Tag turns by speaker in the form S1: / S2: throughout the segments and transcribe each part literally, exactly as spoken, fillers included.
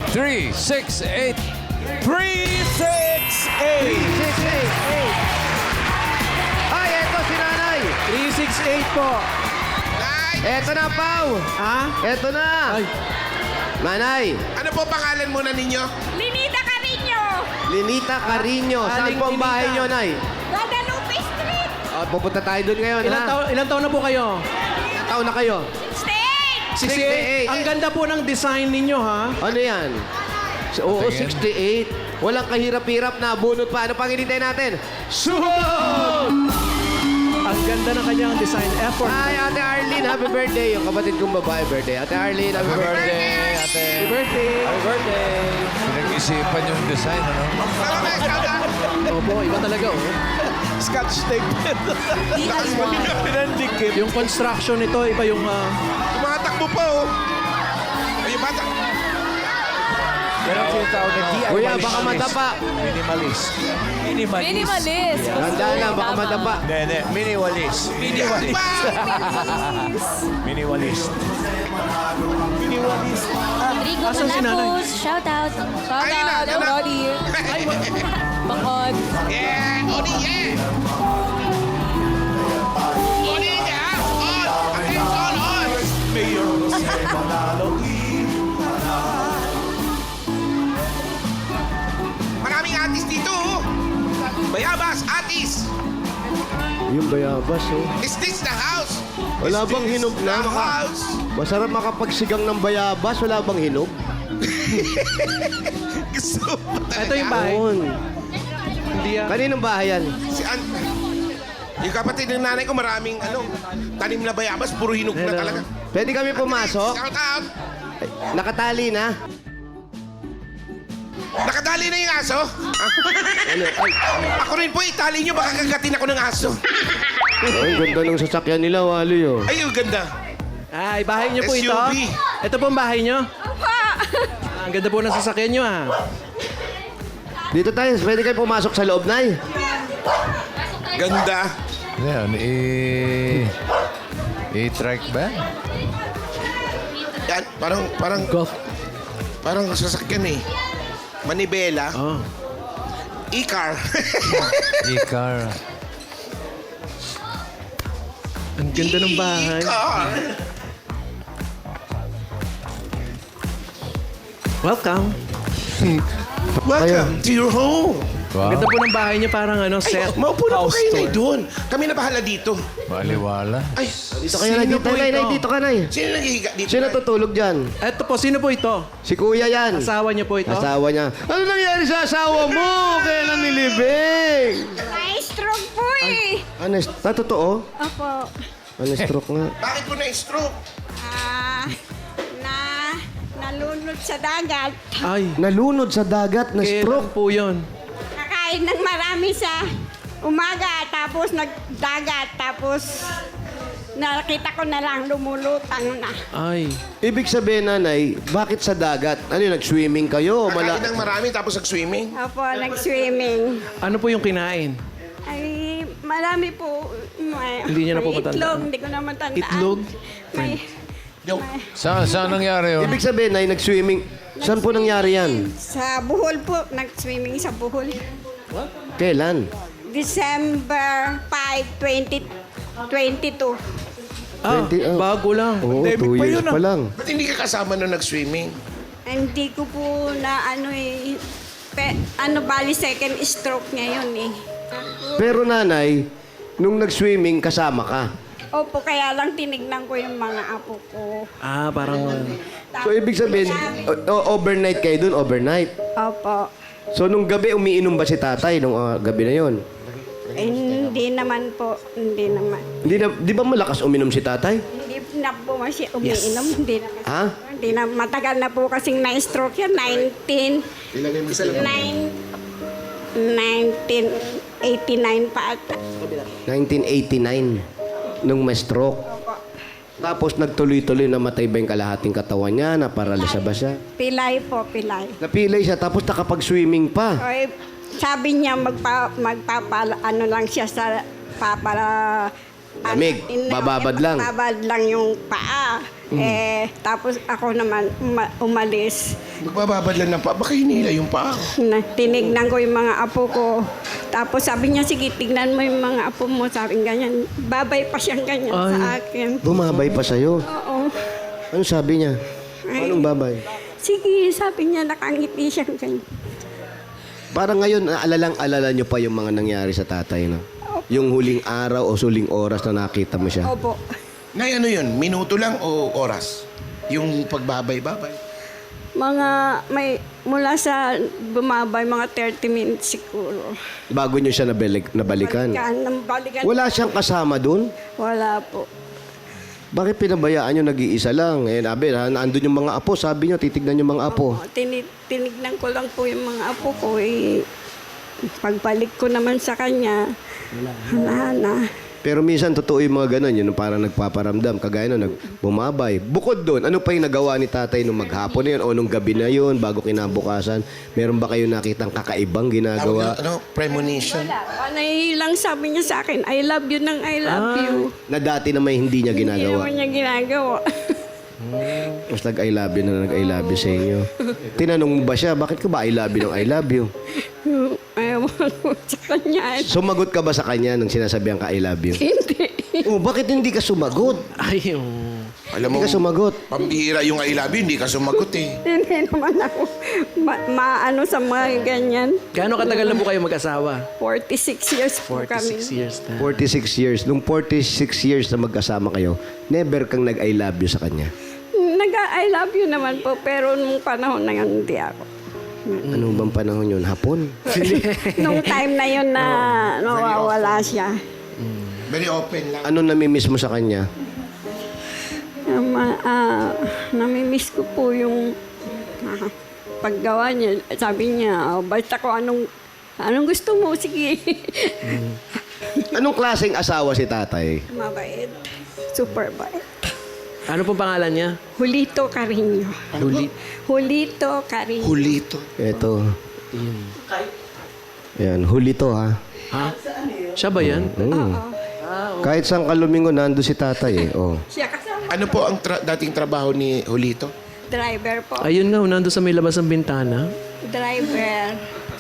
S1: three, six, eight.
S2: three, six, eight.
S3: six, eight, eight. Ay, eto si nanay.
S2: three, six, eight po.
S3: Eto na, Pau.
S2: Ha?
S3: Eto na.
S2: Ay.
S3: Nanay,
S4: Ano po pangalan muna ninyo?
S5: Linita Carino,
S3: Linita Carino. Saan
S2: Aling
S3: po ang bahay
S2: Linita.
S3: nyo, Nay?
S5: Guadalupe Street,
S3: Oh, pupunta tayo doon ngayon,
S2: Ilang,
S3: ha?
S2: taon, ilang taon na po kayo?
S3: Ilang taon na kayo?
S5: sixty-eight.
S3: sixty-eight.
S2: Ang ganda po ng design ninyo, ha?
S3: Ano yan? S- Oo,
S1: Tingin.
S3: sixty-eight. Walang kahirap-hirap na bunot pa. Ano pang hinintay natin? Suhod!
S2: Ang ganda ng kanyang design effort.
S3: Hi, Ate Arlene. Happy birthday. Yung kapatid kong babae birthday. Ate Arlene, happy
S1: Happy
S3: birthday.
S1: birthday, ate.
S2: Happy birthday.
S3: Happy birthday.
S1: Pinag-isipan yung design, ano?
S4: Tama ba, Saka?
S2: Opo, iba talaga, oh.
S6: Scotch tape. Pinandikit.
S2: Yung construction nito, iba yung... ah,
S4: Tumatakbo pa, oh. Ay, yung bata.
S6: Yan ang tinatawag na D I Y.
S3: Kuya, baka madapa.
S6: Minimalist. Minimalist.
S5: Minimalist.
S3: Tandaan lang, baka madapa.
S6: Hindi, hindi. Minimalist. Minimalist. Minimalist. Minimalist.
S5: Rodrigo
S2: Asan si nanay?
S5: Malapos, shout out. Shout
S4: Ayun na,
S5: out,
S4: ayun na.
S5: everybody. Bangkod.
S4: Yeah! Odi, yeah! Odi, yeah! On! Attention, on!
S6: Mayor Jose Manalo.
S4: Maraming atis dito, oh. Bayabas, atis!
S3: Yung bayabas, oh.
S4: Is this the house?
S3: Wala
S4: Is
S3: bang
S4: this
S3: hinog na?
S4: the house?
S3: Masarap makapagsigang ng bayabas. Wala bang hinog?
S4: Gusto mo
S2: Ito yung bahay.
S3: Yun.
S2: Hindi ah.
S3: Kaninong bahay yan?
S4: Si An... Yung kapatid ng nanay ko, maraming ano, tanim na bayabas, puro hinog na
S2: Hello.
S4: talaga.
S3: Pwede kami pumasok?
S4: Shout out!
S3: Ay, nakatali na.
S4: Nakadali na yung aso? Ah,
S3: Ano? Ay,
S4: ako rin po, itali nyo, baka kagatin ako ng aso.
S3: ay, ganda ng sasakyan nila, Wally, oh.
S4: Ay, ang ganda.
S2: Ay, bahay niyo po
S4: S U
S2: ito?
S4: V.
S2: Ito po ang bahay niyo? Ah, ang ganda po ng sasakyan niyo, ah.
S3: Dito tayo, pwede kayo pumasok sa loob, Nay.
S4: Ganda.
S1: Yan, i... I-track ba?
S4: Yan, parang, parang,
S2: Golf.
S4: parang sasakyan eh. Manibela.
S2: Oh.
S4: E-car.
S1: I-car.
S2: Ang ganda ng bahay.
S4: E-car.
S2: Welcome.
S4: Welcome to your home.
S1: Wow,
S2: Ganda po ng bahay niyo, parang ano,
S4: Ay,
S2: set.
S4: maupo na po
S2: house
S4: kayo, Nay,
S2: tour.
S4: doon. Kami na bahala dito.
S1: maliwala.
S4: Ay,
S3: Dito kayo, Nay.
S2: Sino
S3: Dito,
S2: po
S3: Nay.
S2: ito?
S3: Nay, dito ka, Nay.
S4: sino naghihiga dito?
S3: Sino
S4: Nay?
S3: tutulog dyan?
S2: Ito po, sino po ito?
S3: Si Kuya yan.
S2: Asawa niyo po ito?
S3: Asawa niya. Ano nangyari sa asawa mo? Kailan nilibing?
S5: Na-stroke po eh.
S3: Ano, na totoo?
S5: Opo.
S3: Ano, stroke nga.
S4: Bakit po na-stroke?
S5: Ah, na, nalunod sa dagat.
S2: Ay,
S3: Nalunod sa dagat na
S2: kailan
S3: stroke.
S2: po yun?
S5: Kakain ng marami sa umaga, tapos nagdagat, tapos nakita ko na lang lumulutang na.
S2: Ay,
S3: Ibig sabihin, nanay, bakit sa dagat? Ano yun, nag-swimming kayo? o
S4: Kakain
S3: Mala-
S4: ng marami tapos nag-swimming?
S5: Opo, nag-swimming.
S2: ano po yung kinain?
S5: Ay, marami po. May,
S2: Hindi niya na po
S5: may
S2: matandaan.
S5: itlog, hindi ko na matandaan.
S2: Itlog?
S5: May,
S4: Joke.
S5: may,
S1: Saan, saan nangyari yun?
S3: Ibig sabihin, nay, nag-swimming. Saan po nangyari yan?
S5: sa Bohol po, nag-swimming sa Bohol.
S3: Kailan?
S5: December fifth, twenty twenty-two.
S2: Ah,
S3: twenty, oh.
S2: bago lang.
S3: Oo,
S6: Pandemic
S3: two
S6: pa
S3: years
S6: yun, ah.
S3: pa lang.
S4: Ba't hindi ka kasama nung nag-swimming?
S5: Hindi ko po na ano eh, pe, ano bali second stroke niya yun eh.
S3: Pero nanay, nung nag-swimming, kasama ka.
S5: Opo, kaya lang tinignan ko yung mga apo ko.
S2: Ah, parang...
S3: So, ibig sabihin, o- o- overnight kayo dun, overnight.
S5: Opo.
S3: So, nung gabi, umiinom ba si tatay nung ah, gabi na yon?
S5: Eh, hindi naman po, hindi naman.
S3: Hindi na, di ba malakas uminom si tatay?
S5: Hindi na po masya umiinom, hindi na kasi.
S3: Ha?
S5: Hindi na, matagal na po kasing na-stroke yan, nineteen... nine, nineteen eighty-nine pa ata.
S3: nineteen eighty-nine, nung may stroke. Tapos nagtuloy-tuloy namatay ba yung kalahating katawan niya, naparalisa ba siya?
S5: Pilay po, pilay.
S3: Napilay siya, tapos nakapag-swimming pa.
S5: Oy, sabi niya magpa, magpapa, ano lang siya sa papara...
S3: Lamig, bababad lang.
S5: Bababad lang yung paa. Eh, tapos ako naman uma- umalis.
S4: Magbababad lang ng pa. Baka hinila yung paa.
S5: Na, tinignan ko yung mga apo ko. Tapos sabi niya, sige, tignan mo yung mga apo mo. Sabi ganyan, babay pa siyang ganyan sa akin.
S3: Bumabay pa sa'yo.
S5: Oo.
S3: Ano sabi niya? Anong babay?
S5: Sige, sabi niya, nakangiti siyang ganyan.
S3: Parang ngayon, alalang-alala niyo pa yung mga nangyari sa tatay, no? Yung huling araw o suling oras na nakita mo siya.
S5: Opo.
S4: Nay, ano yun? Minuto lang o oras? Yung pagbabay-babay.
S5: Mga, may, mula sa bumabay, mga thirty minutes siguro.
S3: Bago niyo siya nabalik, nabalikan.
S5: Balikan, nang balikan.
S3: Wala siyang kasama dun?
S5: Wala po.
S3: Bakit pinabayaan niyo nag-iisa lang? Eh, nabi, ha, naandun yung mga apo. Sabi niyo, titignan yung mga apo.
S5: Oo, tini- tinignan ko lang po yung mga apo ko. Eh, pagbalik ko naman sa kanya, wala na.
S3: Pero minsan, totoo yung mga ganun. Yun, parang nagpaparamdam. Kagaya na, nagbumabay. Bukod doon, ano pa yung nagawa ni tatay nung maghapon na yun o nung gabi na yun, bago kinabukasan? Meron ba kayo nakitang kakaibang
S4: Tawag
S3: ginagawa?
S4: na, ano? Premonition.
S5: Panay lang sabi niya sa akin, I love you ng I love you.
S3: Na dati na may hindi niya
S5: Hindi
S3: ginagawa.
S5: naman niya ginagawa.
S3: Mas nag-I love you na nag-I love you sa inyo. Tinanong mo ba siya, bakit ka ba I love you ng I love you?
S5: Ewan ko sa kanya.
S3: Sumagot ka ba sa kanya nung sinasabihan ka I love you?
S5: Hindi.
S3: Oh, bakit hindi ka sumagot?
S2: Ay, yung...
S4: Alam mo,
S3: Hindi ka sumagot.
S4: pambihira yung I love you, hindi ka sumagot eh.
S5: Hindi naman ako ma- maano sa mga ganyan.
S2: Gaano katagal na po kayo mag-asawa?
S5: forty-six years po kami.
S2: forty-six years na.
S3: forty-six years. Nung forty-six years na magkasama kayo, never kang nag-I love you sa kanya.
S5: Nag-I love you naman po, pero nung panahon na yun, hindi ako.
S3: Ano bang panahon yun? Hapon?
S5: Nung time na yun na nawawala siya.
S4: Very open lang.
S3: Ano namimiss mo sa kanya?
S5: Um, ah, namimiss ko po yung ah, paggawa niya. Sabi niya, oh, basta ko anong, anong gusto mo, sige.
S3: Anong klaseng asawa si tatay?
S5: Mabait. Super bait.
S2: Ano pong pangalan niya?
S5: Julito Carino.
S2: Huli.
S5: Julito Carino.
S4: Hulito.
S3: Ito. Yan, huli to ha.
S2: Ha? Siya ba yan?
S3: Mm. Kahit saan ka lumingon, nando si tatay eh. Oh.
S5: Siya kasama.
S4: Ano po ang tra- dating trabaho ni Hulito?
S5: Driver po.
S2: Ayun nga, nando sa may labas ng bintana.
S5: Driver.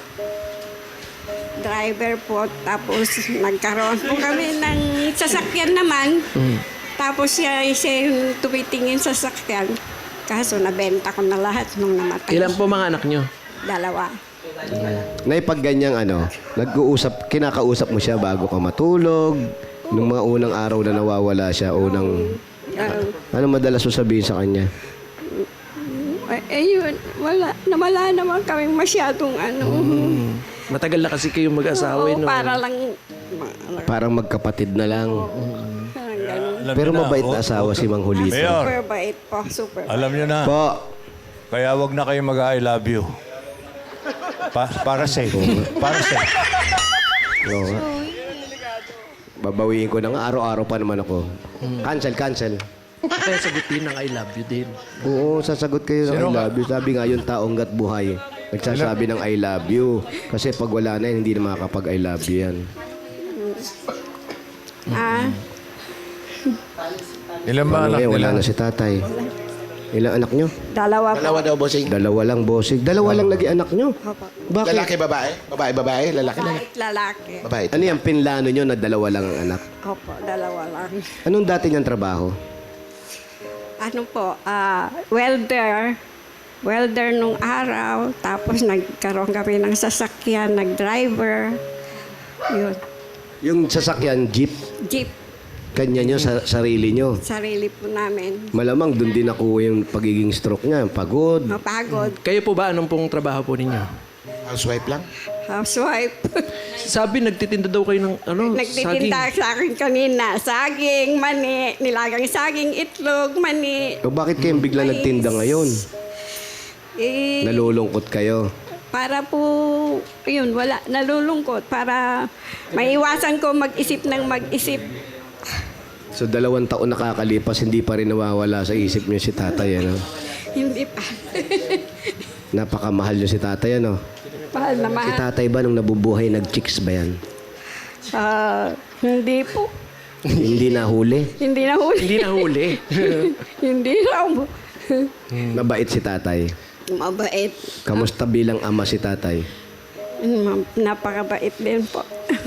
S5: Driver po. Tapos nagkaroon po kami ng sasakyan naman. Tapos siya, siya yung tumitingin sa sasakyan. Kaso nabenta ko na lahat nung namatay.
S2: Ilan po mga anak niyo?
S5: Dalawa.
S3: Nay, pag ganyang ano, nag-uusap, kinakausap mo siya bago ka matulog, nung mga unang araw na nawawala siya, unang...
S5: Uh,
S3: Ano madalas mo sabihin sa kanya?
S5: eh, ayun, wala. Nawala naman kami masyadong ano.
S2: Matagal na kasi kayong mag-asawa.
S5: Oo,
S2: no?
S5: para lang, ma-
S3: Parang magkapatid na lang.
S5: parang ganun.
S6: Alam
S3: Pero
S6: niyo na,
S3: mabait
S6: o-
S3: na asawa si Mang Julito.
S6: Mayor.
S5: Super bait po, super bait.
S6: Alam niyo na.
S3: Po,
S6: Kaya wag na kayo mag-I love you. Pa- para safe. Para safe.
S3: oo nga. Babawiin ko na nga, araw-araw pa naman ako. Cancel, cancel.
S2: Kaya sagutin ng I love you din.
S3: Oo, sasagot kayo ng I
S6: Sino nga?
S3: love you. Sabi nga yung taong gat buhay, nagsasabi ng I love you. Kasi pag wala na yan, hindi na makakapag I love you yan.
S5: Ah,
S1: Ilan ba
S3: Ano
S1: anak
S3: ngayon, wala
S1: nila?
S3: na si tatay. Ilang anak nyo?
S5: dalawa po.
S4: Dalawa daw, bossing.
S3: Dalawa lang, bossing. Dalawa lang naging anak nyo. Bakit?
S4: Lalaki, babae? Babae, babae? Lalaki, lalaki.
S5: Kahit lalaki.
S4: Babae.
S3: Ano yung pinlano nyo na dalawa lang ang anak?
S5: Opo, dalawa lang.
S3: Anong dati niyang trabaho?
S5: Ano po, ah, welder. Welder nung araw. Tapos nagkaroon kami ng sasakyan, nag-driver. Yun.
S3: Yung sasakyan, jeep,
S5: Jeep,
S3: kanya nyo, sa sarili nyo.
S5: sarili po namin.
S3: Malamang doon din nakuha yung pagiging stroke niya, pagod.
S5: Mapagod.
S2: Kayo po ba, anong pong trabaho po ninyo?
S4: Housewife lang?
S5: Housewife.
S2: Sabi, nagtitinda daw kayo ng ano,
S5: Nagtitinda sa akin kanina. Saging, mani, nilagang saging, itlog, mani.
S3: O bakit kayong bigla
S5: Mais.
S3: nagtinda ngayon?
S5: Eh,
S3: Nalulungkot kayo.
S5: para po, yun, wala, nalulungkot. Para maiwasan ko mag-isip ng mag-isip.
S3: So dalawang taon nakakalipas, hindi pa rin nawawala sa isip niyo si tatay, ano?
S5: Hindi pa.
S3: Napakamahal niyo si tatay, ano?
S5: Mahal na
S3: Si
S5: mahal.
S3: tatay ba nung nabubuhay, nag-chicks ba yan?
S5: Ah, hindi po.
S3: Hindi nahuli.
S5: Hindi na huli.
S2: Hindi nahuli.
S5: Hindi raw.
S3: Mabait si tatay.
S5: Mabait.
S3: Kamusta bilang ama si tatay?
S5: Mm, Napakabait din po.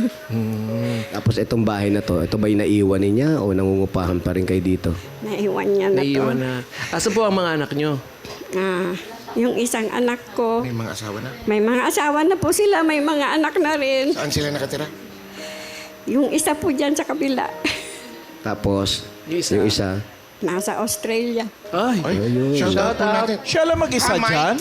S3: Tapos itong bahay na to, ito ba'y naiwan niya o nangungupahan pa rin kayo dito?
S5: Naiwan niya na to.
S2: Naiwan na. Asa po ang mga anak nyo?
S5: Ah, yung isang anak ko,
S4: May mga asawa na.
S5: may mga asawa na po sila, may mga anak na rin.
S4: Saan sila nakatira?
S5: Yung isa po dyan sa kabila,
S3: Tapos,
S2: Yung isa?
S3: yung isa,
S5: nasa Australia.
S2: Ay.
S4: Ay, shout out po natin.
S6: Siya lang mag-isa
S4: Ah, Mike.
S6: dyan?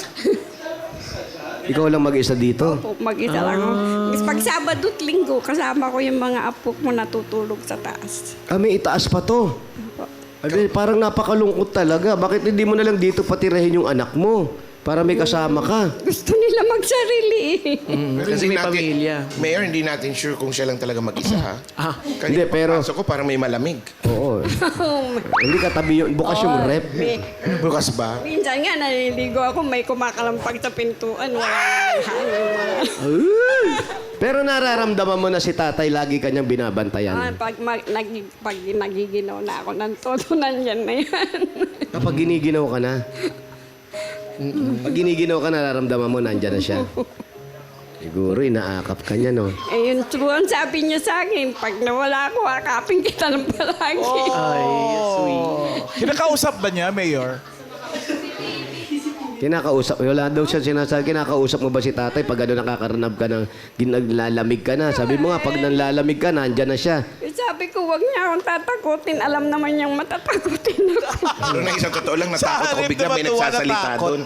S3: ikaw lang mag-isa dito.
S5: Po, mag-isa lang ako. Pag Sabado at Linggo, kasama ko yung mga apo ko natutulog sa taas.
S3: Kami itaas pa to. Abi, parang napakalungkot talaga. Bakit hindi mo na lang dito patirahin yung anak mo? Para may kasama ka.
S5: Gusto nila magsarili.
S2: Mm,
S4: Pero
S2: kasi
S4: hindi
S2: may pamilya.
S4: Mayor, hindi natin sure kung siya lang talaga mag-isa, ha?
S2: Ah.
S3: Hindi,
S4: Hindi,
S3: pero-
S4: pero... Pasok ko, parang may malamig.
S3: Oo. Hindi katabi yung, bukas yung rep.
S5: May-
S4: Bukas ba?
S5: Minsan nga, naliligo ako, may kumakalampag sa pintuan. Wala nang hangin.
S3: Pero nararamdaman mo na si tatay lagi kanyang
S5: Ah,
S3: binabantayan.
S5: pag, mag, nag, pag nagiginaw na ako ng todo, nandyan na yan.
S3: Kapag giniginaw ka na. Pag giniginaw ka, nararamdaman mo, nandyan na siya. Siguro, inaakap ka niya, no?
S5: eh, yung true ang sabi niya sa akin, pag nawala ako, akapin kita ng palagi.
S2: Ay, sweet.
S6: Kinakausap ba niya, Mayor?
S3: Kinakausap, wala daw siya sinasabi, kinakausap mo ba si tatay pag ano nakakaranab ka ng ginaglalamig ka na? Sabi mo nga, pag nanlalamig ka, nandyan na siya.
S5: Eh, sabi ko, wag niya akong tatakutin. Alam naman niyang matatakutin ako.
S4: Pero na isang totoo lang,
S6: Sa
S4: natakot ako.
S6: harip
S4: Bigla
S6: na
S4: may
S6: matuwa,
S4: nagsasalita
S6: natakot.
S4: doon.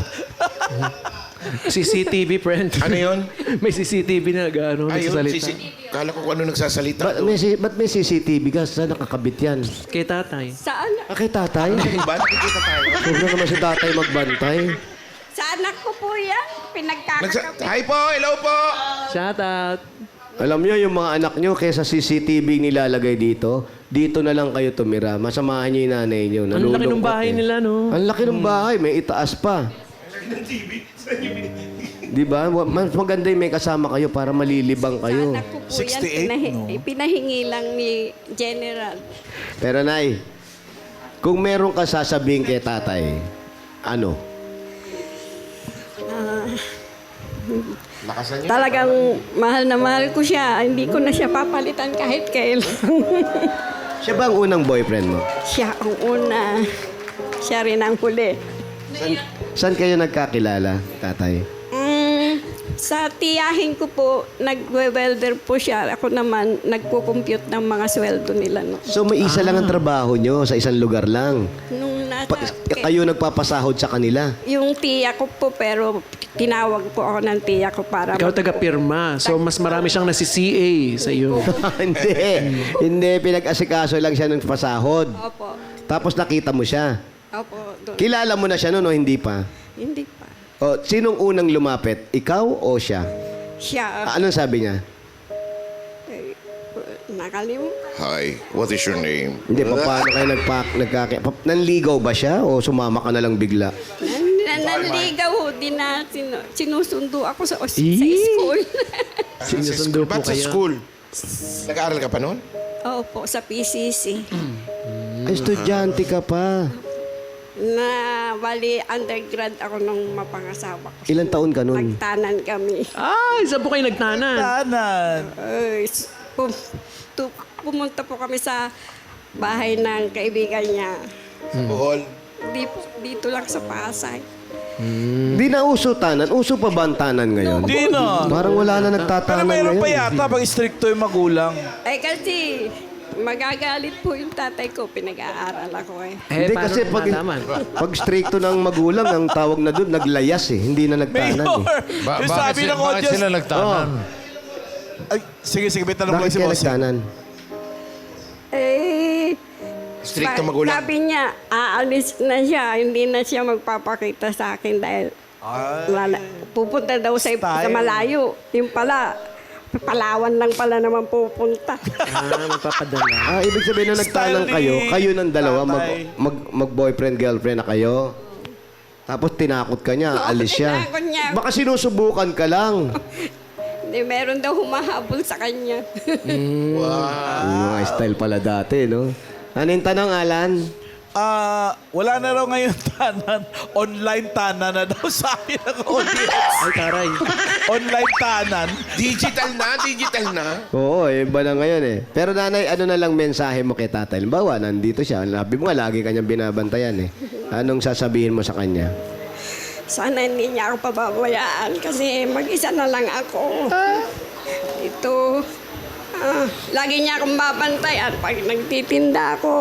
S2: C C T V, friend.
S4: Ano yun?
S2: May C C T V na gano'n,
S4: Ayun,
S2: nagsasalita.
S4: sisi. Kala ko kung ano nagsasalita
S3: Ba't
S4: doon.
S3: may, si- ba't may C C T V ka? Saan nakakabit yan?
S2: Kay tatay.
S5: Saan?
S3: Ah, kay tatay?
S4: Diba? Nakikita tayo.
S3: Huwag naman si tatay magbantay.
S5: Sa anak ko po yan.
S4: Nagsa-
S5: Pinagkakakabit.
S4: Hi po! Hello po!
S2: Shout out.
S3: Alam niyo, yung mga anak niyo, kaysa C C T V nilalagay dito, dito na lang kayo tumira. Masamahan niyo yung nanay niyo.
S2: Ang laki ng
S3: Nalulungkot
S2: bahay
S3: eh.
S2: nila, no?
S3: Ang laki ng bahay, may itaas pa. Di ba? Wa- Mas maganda yung may kasama kayo para malilibang
S5: Sa
S3: kayo.
S5: anak ko po yan.
S6: sixty-eight,
S5: Pinahi-
S6: no?
S5: Pinahingi lang ni General.
S3: Pero Nay, kung meron ka sasabihin kay tatay, ano?
S4: Lakasan niyo.
S5: Talagang mahal na mahal ko siya. Hindi ko na siya papalitan kahit kailan.
S3: Siya ba ang unang boyfriend mo?
S5: Siya ang una. Siya rin ang huli.
S3: San, saan kayo nagkakilala, tatay?
S5: Mm, sa tiyahin ko po, nagwe-welder po siya. Ako naman, nagpo-compute ng mga sweldo nila. No.
S3: So may isa lang ang trabaho nyo sa isang lugar lang.
S5: Nung nasa,
S3: Pa- kayo nagpapasahod sa kanila.
S5: yung tiya ko po, pero tinawag po ako ng tiya ko para...
S2: Ikaw taga-pirma. So, mas marami siyang nasi-C A sa iyo.
S3: Hindi. Hindi. Pinag-asikaso lang siya ng pasahod.
S5: Opo.
S3: Tapos nakita mo siya.
S5: Opo. doon.
S3: Kilala mo na siya noon o hindi pa?
S5: Hindi pa.
S3: O, sinong unang lumapit? Ikaw o siya?
S5: Siya,
S3: Ah, anong sabi niya?
S5: eh, nakalim.
S4: Hi, what is your name?
S3: Hindi, pa, paano kayo nagpak, nagkaki... Pa, nanligaw ba siya o sumama ka na lang bigla?
S5: Nan, nan, nanligaw ho, di na sinu, sinusundo ako sa, os- sa
S2: Eee.
S5: school.
S2: Sinusundo po
S4: Ba't sa
S2: kayo?
S4: school? Nag-aaral ka pa noon?
S5: Opo, sa P C C.
S3: Ay, estudyante ka pa.
S5: Na, bali, undergrad ako nung mapangasawa ko.
S3: Ilan taon ka nun?
S5: Nagtanan kami.
S2: Ay, saan po kayo nagtanan?
S6: Tanan.
S5: Ay, s- pum, tu, pumunta po kami sa bahay ng kaibigan niya.
S4: Sa Bohol?
S5: Di, dito lang sa Pasay.
S3: Di na uso tanan. Uso pa ba ang tanan ngayon?
S6: Di na.
S3: Parang wala na
S6: Pero
S3: nagtatanan
S6: mayroon
S3: ngayon.
S6: pa yata pag stricto yung magulang.
S5: Eh kasi, magagalit po yung tatay ko. Pinag-aaral ako eh.
S2: Eh,
S3: Hindi
S2: paano
S3: kasi pag,
S2: nalaman?
S3: pag stricto ng magulang, ang tawag na doon, naglayas eh. Hindi na nagtanan
S6: Mayor!
S3: eh.
S1: Ba-
S6: yung
S1: bakit,
S6: sabi
S1: si-
S6: ng
S1: bakit
S6: audience...
S1: sila nagtanan?
S6: Ay, sige, sige, may tanong lang
S3: Bakit
S6: si
S3: kaya
S6: Bossing.
S3: nagtanan?
S5: Eh,
S4: Stricto
S5: sa-
S4: magulang.
S5: Sabi niya, aalis na siya. Hindi na siya magpapakita sa akin dahil lala, pupunta daw sa, sa
S6: Style.
S5: malayo. Yung pala, Palawan lang pala naman pupunta.
S2: Ah, magpapadala.
S3: Ah, ibig sabihin na nagtanan
S6: Style ni
S3: kayo, kayo ng dalawa, mag,
S6: tatay.
S3: mag, mag-boyfriend, girlfriend na kayo. Tapos tinakot ka niya,
S5: Oo,
S3: alis siya.
S5: tinakot niya.
S3: Baka sinusubukan ka lang.
S5: Hindi, meron daw humahabol sa kanya.
S3: Yung mga style pala dati, no? Ano yung tanong, Alan?
S7: Ah, wala na raw ngayon tanan. Online tanan na daw sabi ng audience.
S2: Ay, taray.
S7: Online tanan.
S4: Digital na, digital na.
S3: Oo, eh, iba na ngayon eh. Pero nanay, ano na lang mensahe mo kay tatay? Halimbawa, nandito siya. Labi mo nga, lagi kanyang binabantayan eh. Anong sasabihin mo sa kanya?
S5: Sana hindi niya ako pababayaan kasi mag-isa na lang ako. Ito, ah, lagi niya akong babantayan pag nagtitinda ako.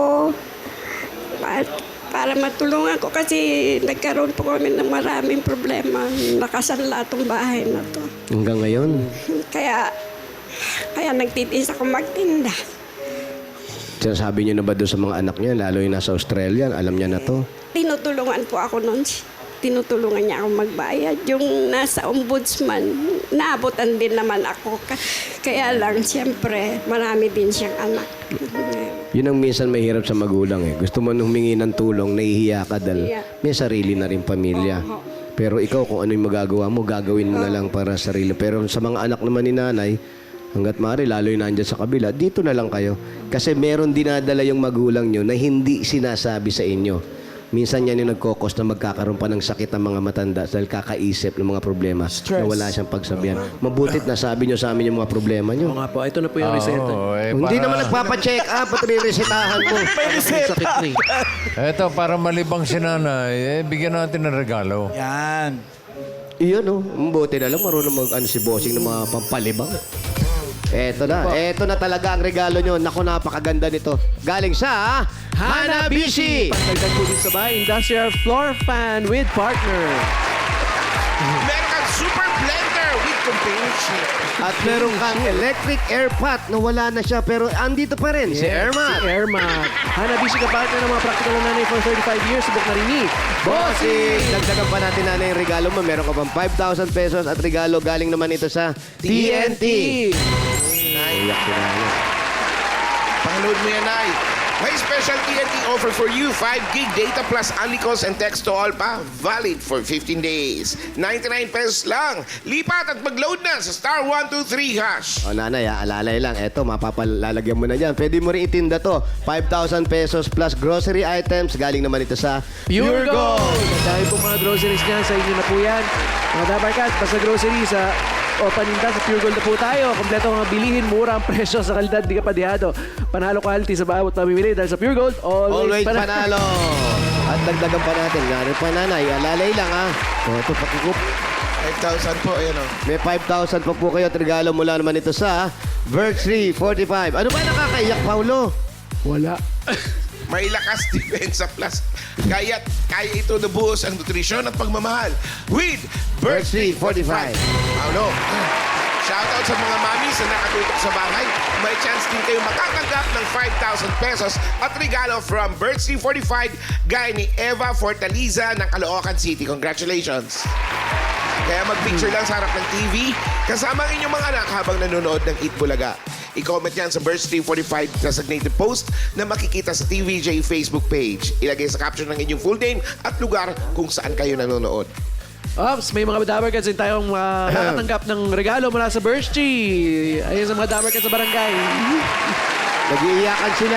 S5: Para, para matulungan ko kasi nagkaroon po kami ng maraming problema. Nakasanla itong bahay na to.
S3: Hanggang ngayon,
S5: Kaya, kaya nagtitiis ako magtinda.
S3: sinasabi niyo na ba doon sa mga anak niya, lalo yung nasa Australia, alam niya na to?
S5: Tinutulungan po ako noon. Tinutulungan niya ako magbayad. Yung nasa ombudsman, naabutan din naman ako. Ka- Kaya lang, siyempre, marami din siyang anak.
S3: Yun ang minsan mahirap sa magulang eh. Gusto mo nung humingi ng tulong, nahihiya ka dahil
S5: Yeah.
S3: may sarili na rin pamilya. Pero ikaw, kung ano yung magagawa mo, gagawin mo na lang para sa sarili. Pero sa mga anak naman ni nanay, hanggat maaari, lalo yung nandyan sa kabila, dito na lang kayo. Kasi meron dinadala yung magulang nyo na hindi sinasabi sa inyo. Minsan yan yung nagkokos na magkakaroon pa ng sakit ng mga matanda dahil kakaisip ng mga problema na wala siyang pagsabihan. Mabutit na sabi nyo sa amin yung mga problema
S2: Oo
S3: nyo.
S2: nga po, ito na po yung reseta.
S1: Oo, eh,
S3: Hindi
S1: para-
S3: naman nagpapacheck up at re-resetahan mo.
S7: May
S2: May
S7: reseta.
S2: sakit na eh.
S1: Eto, para malibang si nanay, eh, bigyan natin ng regalo.
S7: Yan.
S3: Iyon, oh. Mabuti na lang. Marunong mag ano, si bossing ng mga pampalibang. Eto na. Eto na talaga ang regalo nyo. Naku, napakaganda nito. Galing sa Hanabishi!
S2: Pagdagdag po din sa bahay, industrial floor fan with partner.
S4: Meron kang super blender with companionship.
S3: At meron kang electric air pot na wala na siya pero andito pa rin. Si Erma.
S2: Si Airmat. Hanabishi ka partner ng mga practical na nanay for thirty-five years. Subok na rin ni
S3: Bossing! Dagdagan pa natin na yung regalo mo. Meron ka pang five thousand pesos at regalo galing naman ito sa T N T. Iyak si nanay.
S4: Pang-load mo yan, Nay. May special T N T offer for you. five gig data plus only calls and text to all pa. Valid for fifteen days. ninety-nine pesos lang. Lipat at mag-load na sa star one two three hash.
S3: O nanay, ah, alalay lang. Eto, mapapalalagyan mo na dyan. Pwede mo rin itinda to. five thousand pesos plus grocery items. Galing naman ito sa
S2: Pure Gold! Dahil po mga groceries niyan, sa inyo na po yan. Mga Dabarcats, basta grocery sa o paninda sa Pure Gold na po tayo. Kompleto ang mga bilihin, mura ang presyo sa kalidad, di ka padihado. Panalo quality sa bawat pamimili dahil sa Pure Gold, always,
S3: Always panalo. At dagdagan pa natin. Gano'n pa nanay. Alalay lang ha. O, ito pakikup.
S4: five thousand po, ayan o.
S3: May five thousand pa po kayo at regalo mula naman ito sa Virtue forty-five. Ano ba nakakaiyak, Paulo?
S2: Wala.
S4: May lakas depensa plus. Kaya, kaya ito nabuhos ang nutrisyon at pagmamahal with
S3: Virtue forty-five.
S4: Paulo, shoutout sa mga mamis na nakatutok sa bahay. May chance din kayo makatanggap ng five thousand pesos at regalo from Virtue forty-five gaya ni Eva Fortaliza ng Caloocan City. Congratulations! Kaya mag-picture lang sa harap ng T V kasama ang inyong mga anak habang nanonood ng Eat Bulaga. I-comment yan sa Virtue forty-five designated post na makikita sa T V J Facebook page. Ilagay sa caption ng inyong full name at lugar kung saan kayo nanonood.
S2: Ops, may mga Dabarcats din tayong uh, nakatanggap ng regalo mula sa Birchie. Ayun sa mga Dabarcats sa barangay.
S3: Nag-iiyakan sila.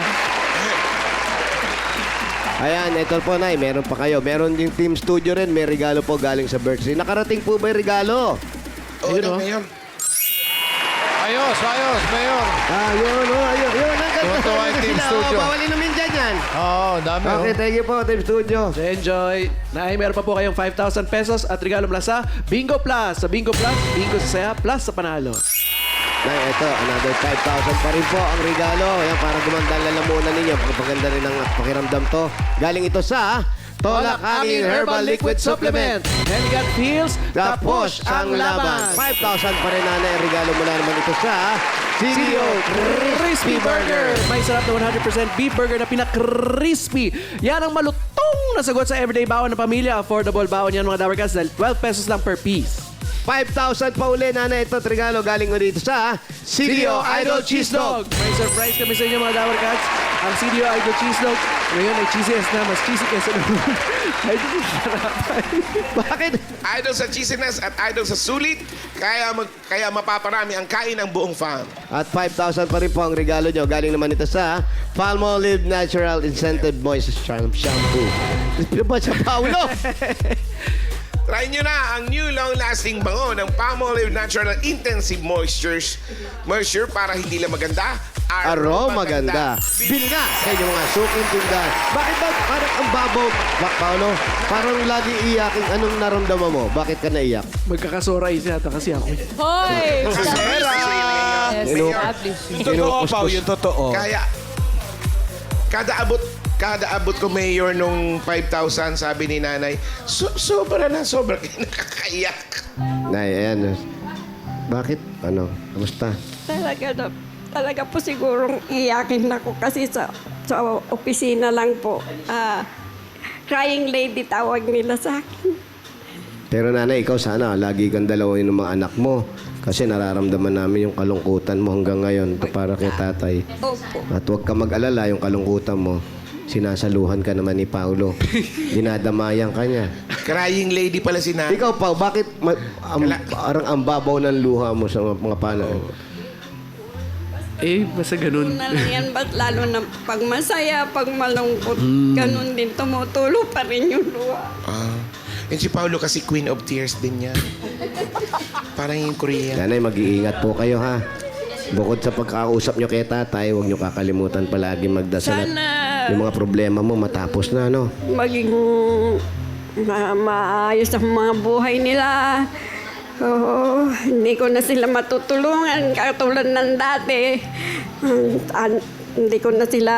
S3: Ayan, ito po, Nay. Meron pa kayo. Meron yung Team Studio rin. May regalo po galing sa Virtue. Nakarating po ba yung regalo?
S4: Oo,
S2: Ayun,
S4: na,
S2: oh.
S4: Mayor.
S1: Ayos, ayos, Mayor.
S3: Ah, yun, oh, ayun, yun. Ang ganda.
S1: Tuwa-tuwa yung Team
S3: Sila,
S1: Studio.
S3: Oh, bawalin namin dyan yan.
S1: Oo, dami. oh.
S3: Okay, thank you po, Team Studio.
S2: So enjoy. Nay, meron pa po kayong five thousand pesos at regalo mula sa Bingo Plus. Sa Bingo Plus, Bingo sa saya, plus sa panalo.
S3: Nay, ito, another five thousand pa rin po ang regalo. Ayan, para gumanda ang lalamunan ninyo. Pagpaganda rin ang pakiramdam to. Galing ito sa Tolak Angin Herbal Liquid Supplement.
S2: Helgat Feels,
S3: Tapos ang laban. five thousand pa rin, nanay. Ang regalo mula naman ito sa C D O
S2: Crispy Burger. May sarap na one hundred percent beef burger na pinaka-crispy. Yan ang malutong na sagot sa everyday bawon ng pamilya. Affordable bawon yan mga Dabarcats dahil twelve pesos lang per piece.
S3: five thousand pa uli, nanay. Ito, regalo galing mo dito sa C D O Idol Cheese Dog.
S2: May surprise kami sa inyo mga Dabarcats. ang C D O Idol Cheese Dog. Ngayon ay cheesiness na, mas cheesy kesa naman. Idol Sarapan.
S3: Bakit?
S4: Idol sa cheesiness at idol sa sulit, kaya, mag, kaya mapaparami ang kain ng buong fam.
S3: At five thousand pa rin po ang regalo nyo. Galing naman ito sa Palmolive Natural Incentive Moisture Charm Shampoo. Ano ba siya, Paolo?
S4: Try nyo na ang new long-lasting bango ng Palmolive Natural Intensive Moistures. Moisture para hindi lang maganda,
S3: Aroma ganda. Bili na sa inyong mga suking tindahan. Bakit ba parang ang babaw, Ba- Paolo? Parang lagi iyakin. Anong naramdaman mo? Bakit ka naiyak?
S2: Magkakasora yata kasi ako.
S8: Hoy!
S7: Sarah!
S8: Yes,
S3: Inu-
S8: established.
S7: Yung totoo, Pao, yung totoo.
S4: Kaya, kada abot, kada abot ko mayor nung five thousand, sabi ni nanay, so, sobra na, sobra kayo nakakaiyak.
S3: Nay, ayan. Bakit? Ano? Kamusta?
S5: Talaga na, talaga po sigurong iyakin ako kasi sa, sa opisina lang po. Ah, crying lady tawag nila sa akin.
S3: Pero nanay, ikaw sana, lagi kang dalawin ng mga anak mo. Kasi nararamdaman namin yung kalungkutan mo hanggang ngayon para kay tatay.
S5: Opo.
S3: At huwag ka mag-alala, yung kalungkutan mo, sinasaluhan ka naman ni Paolo. Dinadamayan ka niya.
S4: Crying lady pala si nanay.
S3: Ikaw, Pao, bakit ma- am-
S4: Kala-
S3: parang ang babaw ng luha mo sa mga, mga paano?
S2: Eh, basta ganun.
S5: Na lang yan, ba't lalo na pag masaya, pag malungkot, ganun din, tumutulo pa rin yung luha.
S4: Ah. And si Paolo kasi Queen of Tears din yan. Parang yung Korean.
S3: Nanay, mag-iingat po kayo, ha? Bukod sa pagkakausap nyo kay tatay, huwag nyo kakalimutan palagi magdasal at
S5: Sana
S3: yung mga problema mo matapos na, no?
S5: maging ma- maayos ang mga buhay nila. Oo, hindi ko na sila matutulungan katulad ng dati. Um, an- hindi ko na sila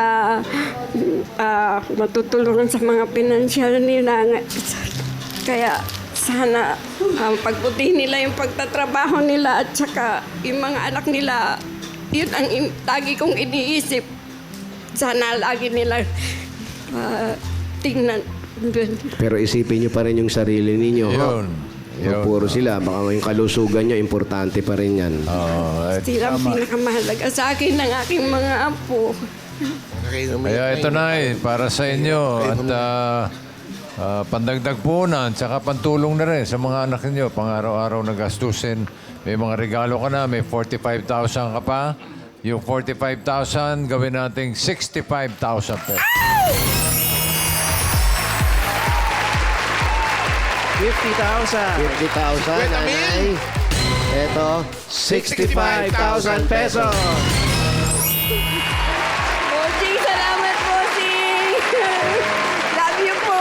S5: ah, matutulungan sa mga pinansyal nila. Kaya sana um, pagbutihin nila yung pagtatrabaho nila at saka yung mga anak nila, yun ang in- lagi kong iniisip. Sana lagi nila ah, tingnan.
S3: Pero isipin nyo pa rin yung sarili ninyo, ha?
S1: Yun.
S3: Huwag puro sila. Baka yung kalusugan nyo, importante pa rin yan.
S1: Oo, eh,
S5: Sila ang pinakamahalaga sa akin ng aking mga apo.
S1: Kaya ito na eh, para sa inyo at ah, ah, pandagdag punan, tsaka pantulong na rin sa mga anak ninyo, pang-araw-araw na gastusin. May mga regalo ka na, may forty-five thousand ka pa. Yung forty-five thousand, gawin nating sixty-five thousand pesos.
S2: fifty thousand.
S3: fifty thousand,
S4: Wait a
S3: nanay. Ito, sixty-five thousand pesos.
S5: Bossing, salamat, Bossing! Love you po!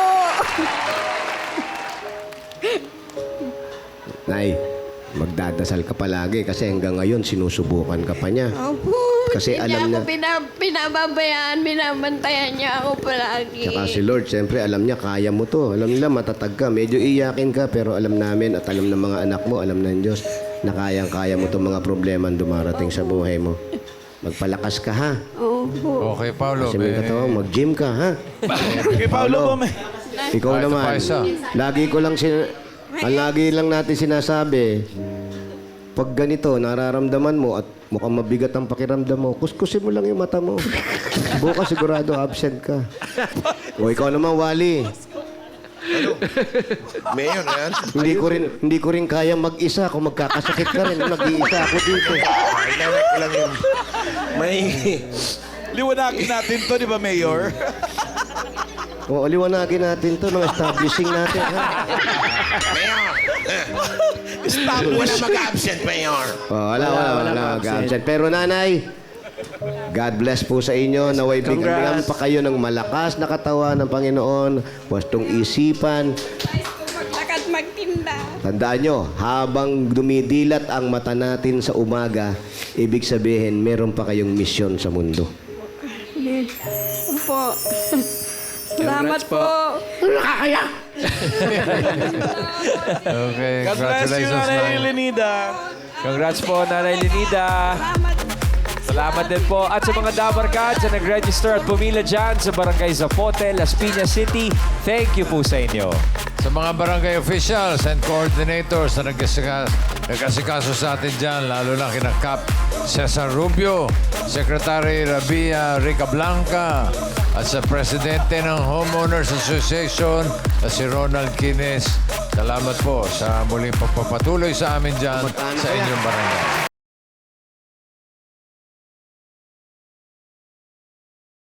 S3: Nay, magdadasal ka palagi kasi hanggang ngayon sinusubukan ka pa niya.
S5: Opo,
S3: Kasi
S5: hindi
S3: alam
S5: niya ako
S3: niya-
S5: pina- pinababayaan, binabantayan niya ako palagi.
S3: Tsaka si Lord, siyempre alam niya, kaya mo to. Alam nila, matatag ka. Medyo iyakin ka, pero alam namin at alam ng mga anak mo, alam ng Diyos, na kayang-kaya mo itong mga problema ang dumarating sa buhay mo. Magpalakas ka, ha?
S5: Opo.
S1: Okay, Paolo.
S3: Kasi may
S1: may-
S3: katawan, mag-gym ka, ha?
S7: Kay Paolo ba may...
S3: Ikaw
S1: Ah, ito
S3: naman,
S1: pa isa.
S3: lagi ko lang sin... Ang lagi lang natin sinasabi, pag ganito, nararamdaman mo at mukhang mabigat ang pakiramdam mo, kuskusin mo lang yung mata mo. Bukas sigurado absent ka. O ikaw naman, Wally.
S4: Mayor na yan.
S3: Hindi ko rin hindi ko rin kaya mag-isa kung magkakasakit ka rin. Mag-iisa ako dito.
S4: Kailangan ko lang yung... May...
S7: Liwanagin natin to, di ba, Mayor?
S3: O liwanagin natin 'to, ng establishing natin, ha?
S4: Mayor! Wala mag-absent, Mayor.
S3: O, wala, wala, wala, mag-absent. Pero nanay, God bless po sa inyo. Naway bigyan
S2: Congrats.
S3: pa kayo ng malakas na katawan ng Panginoon. Wastong isipan.
S5: Maglakad magtinda.
S3: Tandaan nyo, habang dumidilat ang mata natin sa umaga, ibig sabihin, meron pa kayong misyon sa mundo.
S5: Opo. Salamat
S2: Congrats po.
S5: po.
S1: Okay,
S7: God bless you,
S1: congratulations,
S7: Nanay
S1: Nay.
S7: Lenida.
S9: Congrats po, Nanay Lenida.
S5: Salamat.
S9: Salamat din po. At sa mga Dabarkads na nag-register at pumila dyan sa Barangay Zapote, Las Piñas City, thank you po sa inyo.
S1: sa mga barangay officials and coordinators na nag-asikaso, nag-asikaso sa atin dyan, lalo na kina Cap Cesar Rubio, Secretary Rabia Rica Blanca, at sa Presidente ng Homeowners Association na si Ronald Quines. Salamat po sa muling pagpapatuloy sa amin dyan sa inyong barangay.